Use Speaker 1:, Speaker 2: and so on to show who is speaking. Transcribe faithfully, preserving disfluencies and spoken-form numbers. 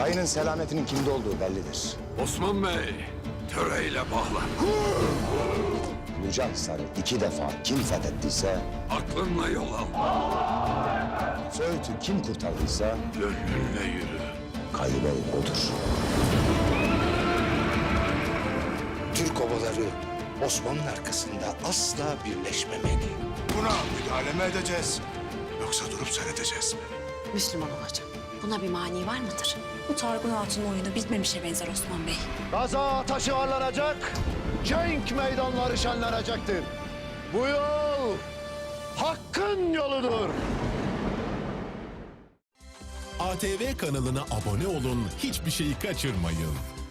Speaker 1: Kayının selametinin kimde olduğu bellidir.
Speaker 2: Osman Bey, töreyle bağlan.
Speaker 1: Bucahisar'ı iki defa kim fethettiyse,
Speaker 2: Aklınla yol al.
Speaker 1: Söğüt'ü kim kurtardıysa,
Speaker 2: Gönlünle yürü.
Speaker 1: Kayıbey odur.
Speaker 3: Türk obaları Osman'ın arkasında asla birleşmemeli.
Speaker 4: Buna müdahale mi edeceğiz? Yoksa durup seyredeceğiz mi?
Speaker 5: Müslüman olacağım. Buna bir mani var mıdır? Bu Targun Hatun'un oyunu bitmemişe benzer Osman Bey.
Speaker 6: Gaza taşı varlanacak, cenk meydanları şenlenecektir. Bu yol hakkın yoludur.
Speaker 7: A T V kanalına abone olun, hiçbir şeyi kaçırmayın.